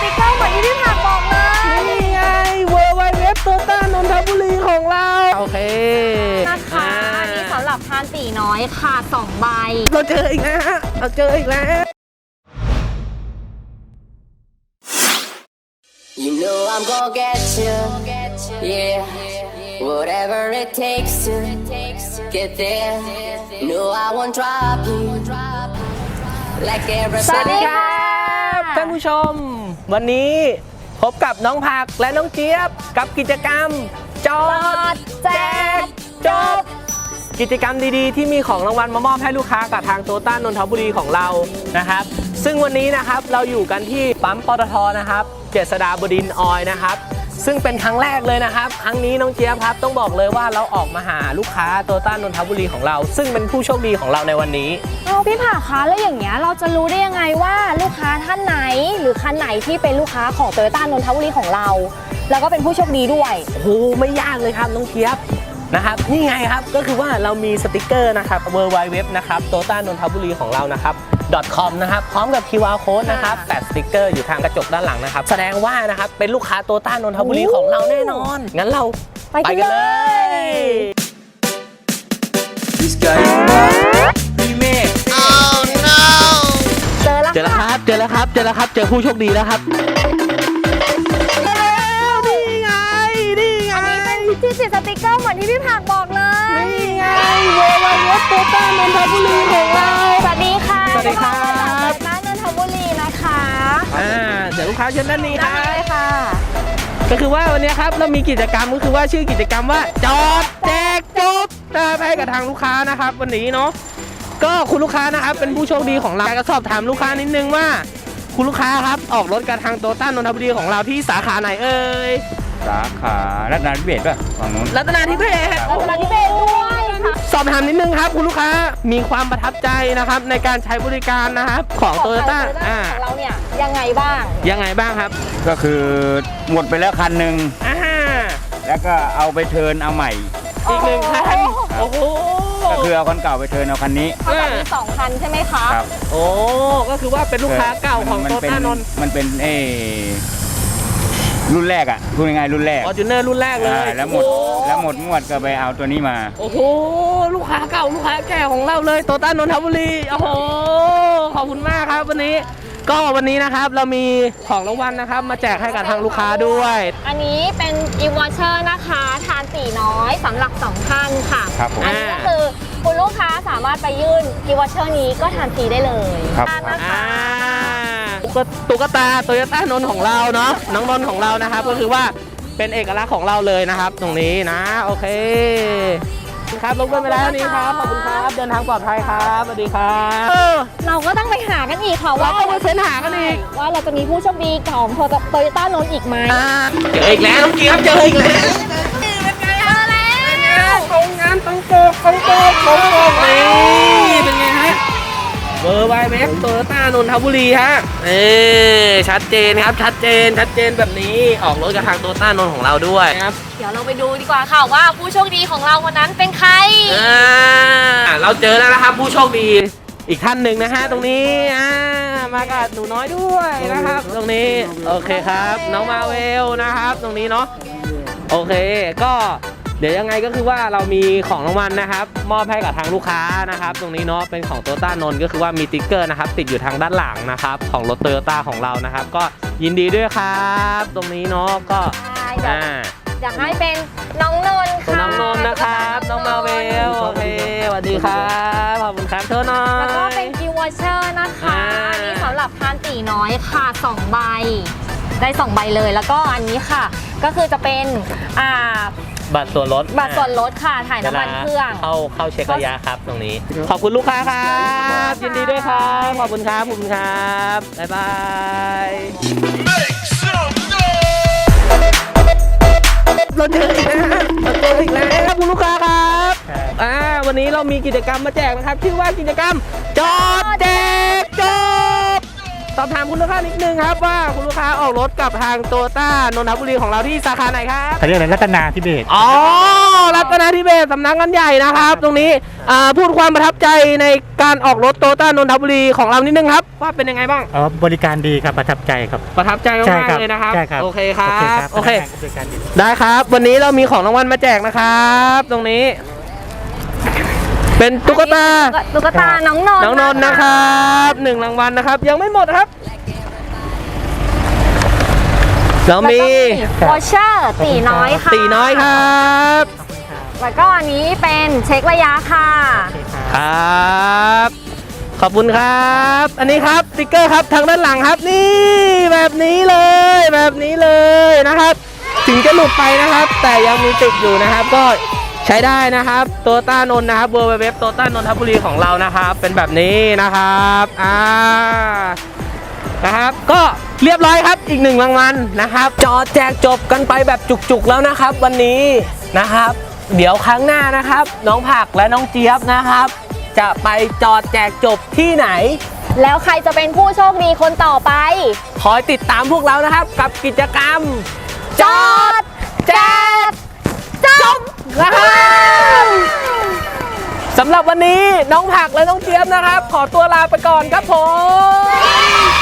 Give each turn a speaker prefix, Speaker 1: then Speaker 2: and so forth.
Speaker 1: ติกเกอร์เหมือนที่พี่ผักบอกเลย
Speaker 2: นี่ไงเวอร์ไวเว็บโตต้านนทบุรีของเราโอเค
Speaker 1: นะคะอันนี้สำหรับทานตีน้อยค่ะ2ใบ
Speaker 2: เราเจออีกแล้วเราเจออีกแล้ว
Speaker 3: You know I'm gonna get you, yeah. Whatever it takes to get there. No, I won't drop you like everybody.
Speaker 2: สวัสดีครับท่านผู้ชมวันนี้พบกับน้องผักและน้องเจี๊ยบกับกิจกรรมจอดแจกจบกิจกรรมดีๆที่มีของรางวัลมามอบให้ลูกค้ากับทางโตต้านนทบุรีของเรานะครับซึ่งวันนี้นะครับเราอยู่กันที่ปั๊มปตทนะครับเจษฎาบดินทร์ออยล์นะครับซึ่งเป็นครั้งแรกเลยนะครับครั้งนี้น้องเจี๊ยบครับต้องบอกเลยว่าเราออกมาหาลูกค้าโตต้านนทบุรีของเราซึ่งเป็นผู้โชคดีของเราในวันนี้
Speaker 1: พี่ผักคะแล้วอย่างเงี้ยเราจะรู้ได้ยังไงว่าลูกค้าท่านไหนหรือคันไหนที่เป็นลูกค้าของโตต้านนทบุรีของเราแล้วก็เป็นผู้โชคดีด้วย
Speaker 2: โอ้โหไม่ยากเลยครับน้องเจี๊ยบนะครับนี่ไงครับก็คือว่าเรามีสติกเกอร์นะครับ www นะครับโตต้านนทบุรีของเรานะครับ .com นะครับพร้อมกับ QR code นะครับแปะสติกเกอร์อยู่ทางกระจกด้านหลังนะครับแสดงว่านะครับเป็นลูกค้าโตต้านนทบุรีของเราแน่นอนงั้นเราไปกันเลยพี่เมฆ
Speaker 1: Oh no เจอแล้ว
Speaker 2: ครับเจอผู้โชคดีแล้วครับ
Speaker 1: ที่ติดสติกเกอร์เหมือนที่พี่ผักบอกเลย
Speaker 2: นี่ไงเวอร์ไวเว็บโตต้านนทบุรีของเรา
Speaker 1: สวัสดีค่ะ
Speaker 2: สวัสดีครับ
Speaker 1: โตต้านนทบุรีนะคะ
Speaker 2: เดี๋ยวลูกค้าเชิญด้านนี้ครับ
Speaker 1: ได้ค่ะ
Speaker 2: ก็คือว่าวันนี้ครับเรามีกิจกรรมก็คือว่าชื่อกิจกรรมว่าจอดแจกจบให้กับทางลูกค้านะครับวันนี้เนาะก็คุณลูกค้านะครับเป็นผู้โชคดีของเราก็สอบถามลูกค้านิดนึงว่าคุณลูกค้าครับออกรถกับทางโตต้านนทบุรีของเราที่สาขาไหนเอ่ย
Speaker 4: สาขารัตนาธิเบศป่ะฝั่งนู้น
Speaker 2: รัตนาธิเบศ
Speaker 1: ด้วยค่ะ
Speaker 2: สอบถามนิดนึงครับคุณลูกค้ามีความประทับใจนะครับในการใช้บริการนะครับของโตโยต้า
Speaker 1: ของเราเนี่ยยังไงบ้าง
Speaker 2: ครับ
Speaker 4: ก็คือหมดไปแล้วคันหนึ่งแล้วก็เอาไปเทิร์นเอาใหม่
Speaker 2: อีกหนึ่งคันโอ้โห
Speaker 4: ก็คือเอาคันเก่าไปเทิร์นเอาคันนี้
Speaker 1: มี2คันใช่ไหมคะ
Speaker 4: ครับ
Speaker 2: โอ้ก็คือว่าเป็นลูกค้าเก่าของโตต้านนท์
Speaker 4: มันเป็นรุ่นแรกอ่ะพูดง่ายๆรุ่นแรก
Speaker 2: Fortuner รุ่นแรกเลย
Speaker 4: แล้วหมดงวดก็ไปเอาตัวนี้มา
Speaker 2: โอ้โหลูกค้าเก่าลูกค้าแก่ของเราเลยโตต้านนทบุรีโอ้โหขอบคุณมากครับวันนี้นะครับเรามีของรางวัลนะครับมาแจกให้กับทางลูกค้าด้วย
Speaker 1: อันนี้เป็นกิฟต์วอเชอร์นะคะทานตีน้อยสำหรับ2ท่านค่ะอันนี้ก็คือคุณลูกค้าสามารถไปยื่นกิฟต์วอเชอร์นี้ก็ทานฟรีได้เลยนะคะ
Speaker 2: ตุ๊กตาโตโยต้านนท์ของเราเนาะน้องนนท์ของเรานะครับก็คือว่าเป็นเอกลักษณ์ของเราเลยนะครับตรงนี้นะโอเคครับลงกันไปแล้วนี้ครับขอบคุณครับเดินทางปลอดภัยครับสวัสดีครับ
Speaker 1: เราก็ต้องไปหากันอีกค่ะว่า
Speaker 2: ต้องไปเฟ้นหากันอีก
Speaker 1: ว่าเราจะมีผู้โชคดีของโตโยต้านนท์อีกไหม
Speaker 2: เจออีกแล้วน้องเจี๊ยบเจออีกแล้วตรงงานตรงโป๊กนี่เป็นไงฮะเบอร์ไวเว็บโตโยต้านนทบุรีฮะชัดเจนครับชัดเจนแบบนี้ออกรถกับทางโตโยต้านนท์ของเราด้วยครับ
Speaker 1: เดี๋ยวเราไปดูดีกว่าค่ะว่าผู้โชคดีของเราวันนั้นเป็นใคร
Speaker 2: เราเจอแล้วนะครับผู้โชคดีอีกท่านหนึ่งนะฮะตรงนี้มากับหนูน้อยด้วยนะครับตรงนี้โอเคครับน้องมาเวลนะครับตรงนี้เนาะโอเคก็เดี๋ยวยังไงก็คือว่าเรามีของรางวัลนะครับมอบให้กับทางลูกค้านะครับตรงนี้เนาะเป็นของโตต้านนท์ก็คือว่ามีติ๊กเกอร์นะครับติดอยู่ทางด้านหลังนะครับของรถโตโยต้าของเรานะครับก็ยินดีด้วยครับตรงนี้เนาะก็
Speaker 1: อยากให้เป็นน้องนนท์ค่ะ
Speaker 2: น้องนนท์นะครับน้องมาเวลโอเคสวัสดีครับขอบคุณครับเธอน้อย
Speaker 1: แล้วก็เป็นกิฟต์วอเชอร์นะคะอันนี้สำหรับทานตีน้อยค่ะ2ใบได้2ใบเลยแล้วก็อันนี้ค่ะก็คือจะเป็น
Speaker 2: บัตรส่วนลด
Speaker 1: ค่ะถ่ายน้ำมันเครื่อง
Speaker 2: เข้าเช็คระยะครับตรงนี้ขอบคุณลูกค้าครับยินดีด้วยครับขอบคุณครับบ๊ายบายเราเจออีกแล้วคุณลูกค้าครับวันนี้เรามีกิจกรรมมาแจกนะครับชื่อว่ากิจกรรมจอดแจกจบตอบถามคุณลูกค้านิดนึงครับว่าคุณลูกค้าออกรถกับทางโตโยต้านนทบุรีของเราที่สาขาไหนครับ
Speaker 5: เขาเรียกอะไรรัตนาธิเบศร
Speaker 2: อ๋อรัตนาธิเบศรสำนักงานใหญ่นะครับ ตรงนี้พูดความประทับใจในการออกรถโตโยต้านนทบุรีของเรานิดนึงครับว่าเป็นยังไงบ้าง
Speaker 5: บริการดีครับประทับใจครับ
Speaker 2: ประทับใจ
Speaker 5: ใช่
Speaker 2: มาก
Speaker 5: ครับ
Speaker 2: ๆเลยนะครับ
Speaker 5: ใช่ครับ
Speaker 2: โอเคครับ โอเค
Speaker 5: พนักงานบริการดี
Speaker 2: ได้ครับ วันนี้เรามีของรางวัลมาแจกนะครับ ตรงนี้ เป็นตุ๊กตา
Speaker 1: ตุ๊กตาน้องนนท์
Speaker 2: น้องนนท์นะครับ1รางวัลนะครับ ยังไม่หมดครับ เรามี
Speaker 1: วอเชอร์ตีน้อยค่ะ
Speaker 2: ตีน้อยครับ
Speaker 1: แล้วก็อันนี้เป็นเช็คระยะค่ะ
Speaker 2: ครับ ขอบคุณครับ อันนี้ครับสติ๊กเกอร์ครับทางด้านหลังครับ นี่แบบนี้เลยแบบนี้เลยนะครับ ถึงจะหลุดไปนะครับ แต่ยังมีติดอยู่นะครับ ก็ใช้ได้นะครับโตโยต้านนท์นะครับเว็บโตโยต้านนทบุรีของเรานะครับ เป็นแบบนี้นะครับนะครับ ก็เรียบร้อยครับอีก1รางวัลนะครับ จอแจกจบกันไปแบบจุกๆแล้วนะครับ วันนี้นะครับ เดี๋ยวครั้งหน้านะครับ น้องผักและน้องเจี๊ยบนะครับ จะไปจอแจกจบที่ไหน
Speaker 1: แล้วใครจะเป็นผู้โชคดีคนต่อไป
Speaker 2: คอยติดตามพวกเรานะครับ กับกิจกรรม
Speaker 1: จอดแจกจบ
Speaker 2: นะครับสำหรับวันนี้น้องผักและน้องเจี๊ยบนะครับ ขอตัวลาไปก่อนครับผม